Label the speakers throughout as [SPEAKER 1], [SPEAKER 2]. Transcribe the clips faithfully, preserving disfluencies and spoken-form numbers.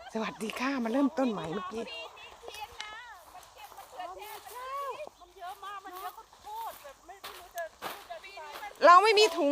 [SPEAKER 1] สวัสดีค่ะมาเริ่มต้นใหม่เมื่อกี้เราไม่มีถุง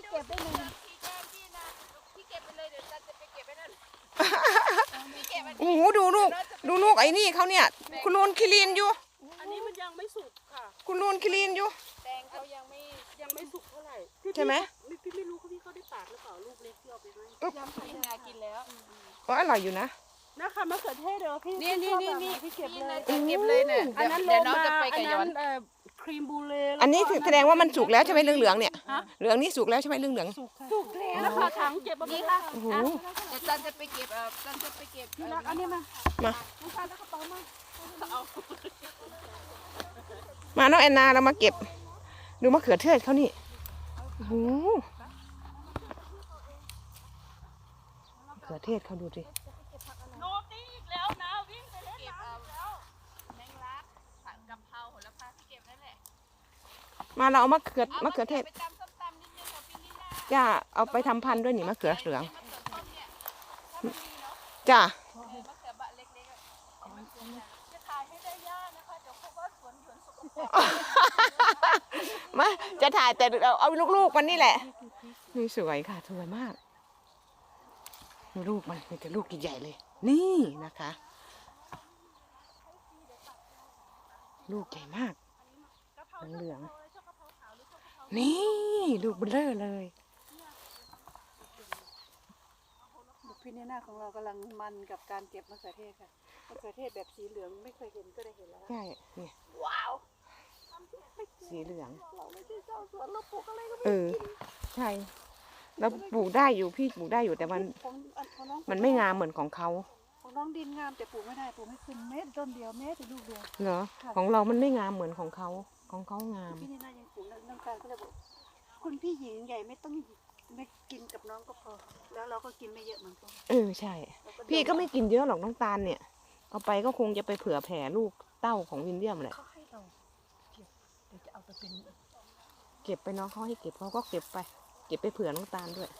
[SPEAKER 1] โอ้โหดูลูกดูลูกไอ้นี่เขาเนี่ยคุณนูนคิรินอยู่
[SPEAKER 2] อันนี้มันยังไม่สุกค่ะ
[SPEAKER 1] คุณนูนคิรินอยู่
[SPEAKER 2] แตงเขายังไม่ยังไม่สุกเท่าไหร่
[SPEAKER 1] ใช่ไหม
[SPEAKER 2] พี่ไม่รู้เขาพี่เขาได้ปาดหรือเปล่าลูกเล็กที่เอาไปให้ยำไข่นากินแล้ว
[SPEAKER 1] ก็อร่อยอยู่นะ
[SPEAKER 2] นะคะมะเขือเทศเดี๋ยวพี่
[SPEAKER 3] นี่นี่นี่นี่
[SPEAKER 2] พี่เก็บเลย
[SPEAKER 3] เก็บเลยเนี่ย
[SPEAKER 2] อันนั้น
[SPEAKER 3] เดี๋ยวน้องจะไปกับย้อน
[SPEAKER 2] ครีมบูเล่
[SPEAKER 1] อันนี้แสดงว่ามันสุกแล้วใช่ไหมเหลืองๆเนี่ยเหลืองนี่สุกแล้วใช่ไหมเหลือง
[SPEAKER 2] ๆสุกแล้วนะคะถังเก็บมานี่ค่ะ
[SPEAKER 1] โอ้โห
[SPEAKER 3] เดี๋ยวจันจะไปเก็บเอ่อจันจะไปเก็บ
[SPEAKER 2] พี่รักอันนี้มา
[SPEAKER 1] มา
[SPEAKER 2] น้องชายแล้วกระเป๋ามา
[SPEAKER 1] มาน้องแอนนาเรามาเก็บดูมะเขือเทศเขานี่โอ้โหมะเขือเทศเขาดูสิ
[SPEAKER 2] โนตี้อีกแล้วนะวิ่งไปเล่นน้ำแล้ว
[SPEAKER 3] แมงลักผัดกะเพราโหระพาที่เก็บนั่นแหละ
[SPEAKER 1] มาเราเอามะเขือมะเขือเทศ
[SPEAKER 3] ไปตำส้มตำนิดนึงกับพี่ลิน่า
[SPEAKER 1] จ้าเอาไปทำพันธุ์ด้วยนี่มะเขือเหลืองจ้ามาจะถ่ายแต่เอาเอาลูกๆมันนี่แหละนี่สวยค่ะสวยมากลูกมันมีแต่ลูกใหญ่ๆเลยนี่นะคะลูกใหญ่มากเหลืองๆนี่ลูกเบลอเลย
[SPEAKER 2] พี่นีน่าของเรากำลังมันกับการเก็บมะเขือเทศค่ะมะเขือเทศแบบสีเหลืองไม่เคยเห็นก็ได้เห็นแล้ว
[SPEAKER 1] ใช่เนี่ย
[SPEAKER 2] ว้าว
[SPEAKER 1] สีเหลือง
[SPEAKER 2] เราไม่ใช่เจ้าสวนเราปลูกอะไรก็ไม่
[SPEAKER 1] เออใช่เราปลูกได้อยู่พี่ปลูกได้อยู่แต่มันมันไม่งามเหมือนของเขา
[SPEAKER 2] ของน้องดินงามแต่ปลูกไม่ได้ปลูกไม่ขึ้นเม็ดต้นเดียวเม็ดแต่ลูกเดียว
[SPEAKER 1] เหรอของเรามันไม่งามเหมือนของเขาของเขางาม
[SPEAKER 2] พี่นี่น่ายังปลูกน้ำตาลก็เลยบอกคุณพี่หญิงใหญ่ไม่ต้องไม่กินกับน้องก็พอแล้วเราก็กินไม่เยอะเหมือนกัน
[SPEAKER 1] เออใช่พี่ก็ไม่กินเยอะหรอกน้ำตาลเนี่ยเอาไปก็คงจะไปเผื่อแผ่ลูกเต้าของวินเลียมแหละ
[SPEAKER 2] เขาให้เราเก็บเดี๋ยวจะเอาไปเป็น
[SPEAKER 1] เก็บไปน้องเขาให้เก็บเขาก็เก็บไปเก็บไปเผื่อน้ำตาลด้วย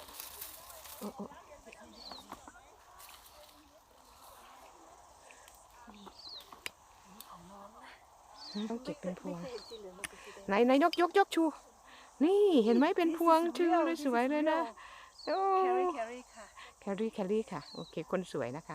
[SPEAKER 1] ต้องเก็บเป็นพวงไหนไหนยกยกยกชูนี่เห็นไหมเป็นพวงชื่อเลยสวยเลยนะโอ้แครี่แครี่ค่ะแครี่แครี่ค่ะโอเคคนสวยนะคะ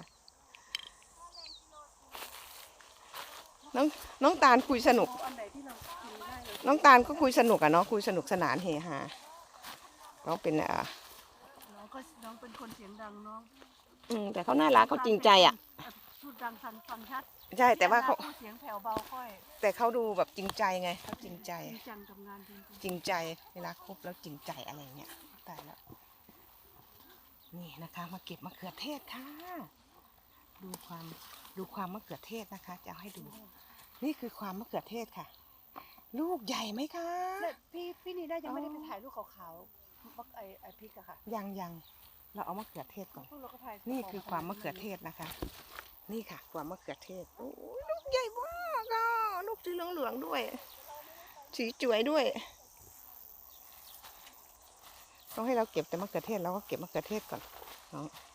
[SPEAKER 1] น้องน้องตาลคุยสนุกน้องตาลก็คุยสนุกอะเนาะคุยสนุกสนานเฮฮาน้องเป็นอ่ะ
[SPEAKER 2] น้องก็น้องเป็นคนเสียงดังน้อง
[SPEAKER 1] อืมแต่เขาน่ารักเขาจริงใจอะ
[SPEAKER 2] พูดดังฟังชัด
[SPEAKER 1] ใช่แต่ว่าเขา
[SPEAKER 2] เสียงแผ่วเบาค่อย
[SPEAKER 1] แต่เขาดูแบบจริงใจไงเขาจริงใจ
[SPEAKER 2] จริงจังกับงานจริง
[SPEAKER 1] จริงใจเวลาคบแล้วจริงใจอะไรเงี้ยตายแล้วนี่นะคะมาเก็บมะเขือเทศค่ะดูความดูความมะเขือเทศนะคะจะเอาให้ดูนี่คือความมะเขือเทศค่ะลูกใหญ่ไหมคะ
[SPEAKER 2] พี่พี่นี่ได้ยังไม่ได้ไปถ่ายรูปขาวๆมักไอไอพริกอะค่ะ
[SPEAKER 1] ยังยังเราเอามะเขือเทศก่อนนี่คือความมะเขือเทศนะคะนี่ค่ะความมะเขือเทศโอ้ยลูกใหญ่มากอ่ะลูกสีเหลืองๆด้วยสีสวยด้วยต้องให้เราเก็บแต่มะเขือเทศเราก็เก็บมะเขือเทศก่อนน้อง